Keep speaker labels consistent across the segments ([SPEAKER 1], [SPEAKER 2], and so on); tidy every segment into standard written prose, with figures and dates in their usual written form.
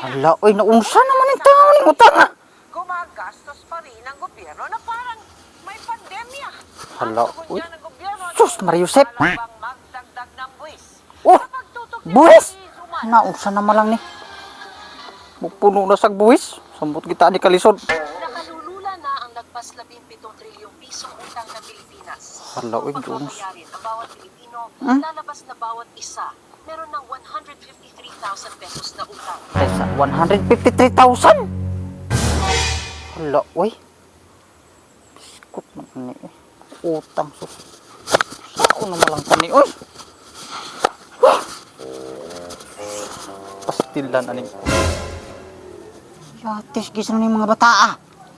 [SPEAKER 1] Hala, oy, naunsa naman ang tao ni utang ah.
[SPEAKER 2] Gumagastos pa rin ang gobyerno na parang may pandemya.
[SPEAKER 1] Hala,
[SPEAKER 2] Ang tugon
[SPEAKER 1] uy.
[SPEAKER 2] dyan ng gobyerno,
[SPEAKER 1] Sus, Mariusep.
[SPEAKER 2] bang magdagdag ng buwis.
[SPEAKER 1] Oh,
[SPEAKER 2] Sa pagtutok niya
[SPEAKER 1] buwis.
[SPEAKER 2] sa isuman.
[SPEAKER 1] Naunsa naman lang ni. Puno na sa buwis. Sambot kita ni kalisod.
[SPEAKER 3] Nakalulula na ang nagpas 17 trilyong pisong utang ng Pilipinas.
[SPEAKER 1] Hala, uy,
[SPEAKER 3] Kung
[SPEAKER 1] Jones.
[SPEAKER 3] pagbabayarin ang bawat Pilipino, lalabas na bawat isa meron ng 153,000 pesos na utang.
[SPEAKER 1] Sa 153,000. Hala, uy. Biskot naman ni. Utang sus. Sao naman lang tani, uy. Pastilan aning. Yatis gisan ni mga bata ah.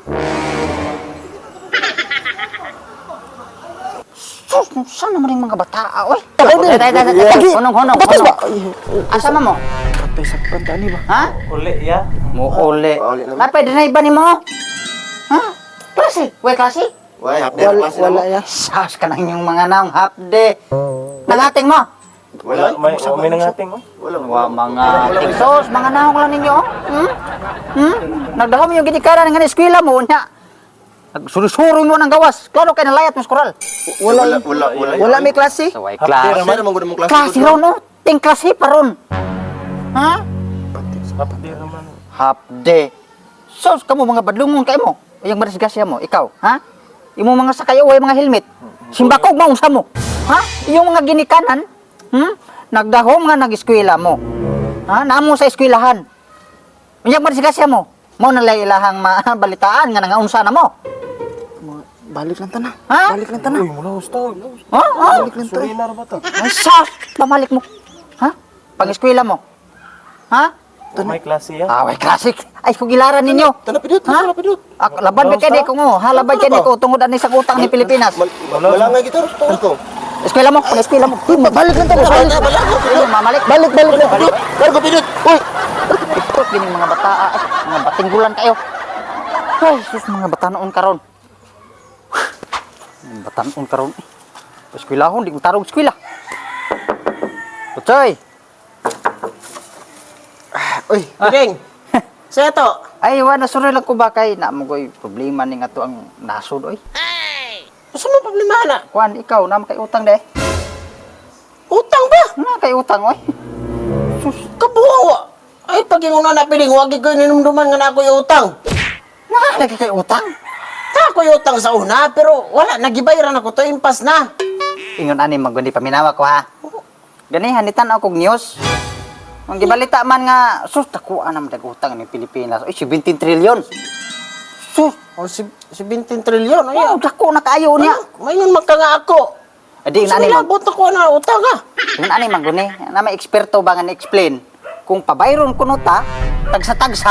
[SPEAKER 1] Sus, saan naman yung mga bata ah, uy. Honong. Asa mo?
[SPEAKER 4] Patay sa kantani ba?
[SPEAKER 1] Ha?
[SPEAKER 4] Uli, ya.
[SPEAKER 1] Mo uli.
[SPEAKER 4] Uli naman.
[SPEAKER 1] Napay na iba ni mo? Ha? Klase? Way klase?
[SPEAKER 4] Wala, wala ya.
[SPEAKER 1] Sas ka na yung mga naong half day. Nangating mo?
[SPEAKER 4] Wala, may nangating oh.
[SPEAKER 1] Wa mga sos, mga naong lang ninyo. Nagdahom yung ginikaran ng eskwela mo nya. Nagsuri-suri mo ng gawas. Klaro kay nalayat mo sa koral.
[SPEAKER 4] Wala may klase.
[SPEAKER 1] So way klase.
[SPEAKER 4] Meron mo gud klase.
[SPEAKER 1] Klase ron no? Ting klase pa ron. Ha?
[SPEAKER 4] Kapatid naman.
[SPEAKER 1] Half day. Sos, kamo mga badlungon kay mo. Yung marisgasya mo, ikaw, ha? Yung mga sakayo, way mga helmet. Simbakog maunsa mo. Ha? Yung mga ginikanan, nagdahom nga nag-eskwela mo. Ha? Naamo sa eskwelahan. Yung marisgasya mo, mo nalay ilahang balitaan nga nangaunsa na mo.
[SPEAKER 4] Balik lang tana.
[SPEAKER 1] Ha?
[SPEAKER 4] Balik lang tana. Uy, mula gusto.
[SPEAKER 1] Ha? Ha?
[SPEAKER 4] Balik lang tana. Surinar ba to?
[SPEAKER 1] Ay, sos! Pamalik mo. Ha? Pang-eskwela mo. Ha?
[SPEAKER 4] May klase ya.
[SPEAKER 1] Ah, way klasik. Ay, kugilaran ninyo.
[SPEAKER 4] Tana pidot,
[SPEAKER 1] Ha?
[SPEAKER 4] tana pidot.
[SPEAKER 1] Laban ba kaya ko mo? Halabay kaya ko tungod ani sa utang ni Pilipinas.
[SPEAKER 4] Wala nga gito. Tungko.
[SPEAKER 1] Eskwela mo, eskwela mo. Balik lang tayo. Mamalik. Balik.
[SPEAKER 4] Kargo pidot. Uy.
[SPEAKER 1] Ikot gining mga bata, mga batinggulan kayo. Ay, sus mga bata noon karon. Mga bata noon karon. Eskwelahon, di ko tarong eskwela. Utoy.
[SPEAKER 5] Uy, Pideng! Saya to!
[SPEAKER 1] Ay, wala suri lang ko ba kay na mo koy problema ning ato ang nasod oy.
[SPEAKER 5] Gusto mo problema na?
[SPEAKER 1] Kuan ikaw na kay utang de.
[SPEAKER 5] Utang ba?
[SPEAKER 1] Na kay utang oy.
[SPEAKER 5] Sus, kabuhaw! Ay, pag yung na Pideng, huwag ko ninumduman nga na ako yung utang.
[SPEAKER 1] Na lagi kay utang.
[SPEAKER 5] Na ako yung utang sa una, pero wala, nagibayaran ako to, impas na.
[SPEAKER 1] Ingon ani maggundi paminawa ko ha. Gani hanitan ako og news. Ang gibalita man nga sus takuan naman dag utang ni Pilipinas. Oy 17 trilyon. Sus,
[SPEAKER 5] O, 17 trilyon,
[SPEAKER 1] oh,
[SPEAKER 5] ayan.
[SPEAKER 1] dako na kaayo niya.
[SPEAKER 5] Mayon magka nga ako.
[SPEAKER 1] Adi
[SPEAKER 5] Sa
[SPEAKER 1] nani mag
[SPEAKER 5] nilabot ako na utang ha.
[SPEAKER 1] ingon ani maguni na may eksperto ba nga ni-explain kung pabayron kuno ta tagsa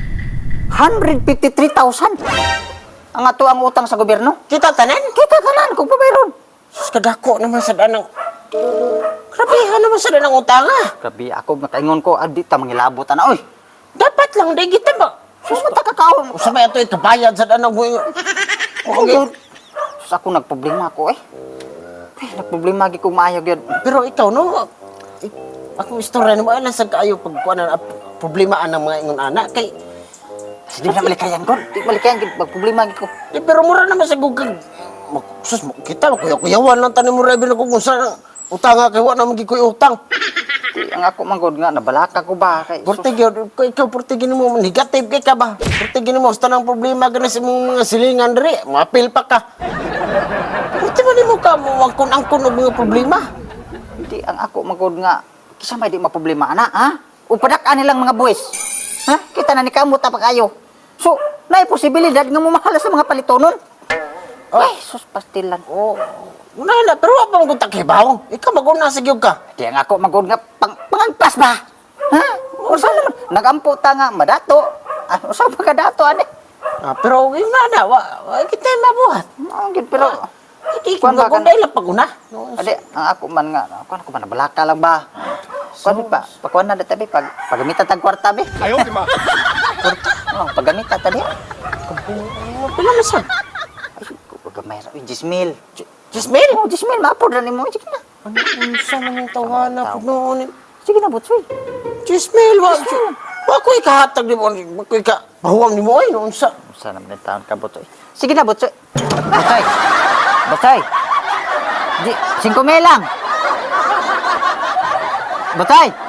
[SPEAKER 1] 153,000. Ang ato ang utang sa gobyerno.
[SPEAKER 5] Kita tanan?
[SPEAKER 1] Kita tanan kung pabayron.
[SPEAKER 5] Sus, kadako naman sa danang... Grabehan naman sa danang utang ha.
[SPEAKER 1] Grabe ako makaingon ko adi ta mangilabot ana oy.
[SPEAKER 5] Dapat lang, di kita ba?
[SPEAKER 1] Sus man ta kakaon.
[SPEAKER 5] Sabay ito ikabayad sa danang mo yung...
[SPEAKER 1] Okay. Sus ako nagproblema ako eh. Ay, nagproblema gi ko maayo gyud.
[SPEAKER 5] Pero ikaw, no? Ako istorya na mo, alam sa kaayo pagkuhanan problemaan ng mga ingon anak. Kay,
[SPEAKER 1] Di na malikayan ko. Di malikayan gid magproblema gi ko.
[SPEAKER 5] pero mura naman sa gugag. Sus, kita, kuyawan lang tanim mo rin na kung saan utang nga, kaya wala naman gikoy utang.
[SPEAKER 1] Ang ako manggod nga nabalaka ko ba kay.
[SPEAKER 5] Portigi, ikaw portigi mo, negative kay ka ba? Portigi mo, basta ng problema ka na sa mga silingan rin, mapil pa ka. Porti mo ni mo ka, angkon og mga problema.
[SPEAKER 1] Hindi ang ako manggod nga kisa may di maproblema ana ha. Upadak nilang mga boys. Ha? Kita na ni kamot pa kayo. So, naay posibilidad nga mumahala sa mga palitonon. Ay, sus pastilan.
[SPEAKER 5] Oh, una pero apa mo kung takibaw? Ikaw maguna sa gyud ka.
[SPEAKER 1] Di ang ako manggod nga pangangpas ba? Ha? Usa naman nagampo ta nga madato. Ano sa pagkadato ani?
[SPEAKER 5] Pero yun na, wa kita mabuhat.
[SPEAKER 1] Ang gid pero
[SPEAKER 5] Hindi ko
[SPEAKER 1] Kuwan ba kan-
[SPEAKER 5] gagawin lang pag-una.
[SPEAKER 1] adi ang ako man nga kuan ko man nabalaka lang ba. Kuan pa pakuan na dati pagamita tag kwarta be.
[SPEAKER 4] Ayaw, di ma.
[SPEAKER 1] Oh, pagamita tadi.
[SPEAKER 5] Pila na siya?
[SPEAKER 1] Gamay ra 10,000.
[SPEAKER 5] Jismil?
[SPEAKER 1] Oh, 10,000 maapod ra nimo. Sige na.
[SPEAKER 5] Ano sa man yung tawanan po noon?
[SPEAKER 1] Sige na butsoy.
[SPEAKER 5] Jismil, wa. Ako ikahatag ni mo, ako pahuwam ni mo ay noon sa.
[SPEAKER 1] Saan naman yung taon ka, Butsoy? Sige na, Butsoy. Butsoy! Butsoy! Di, 5 lang! Butsoy!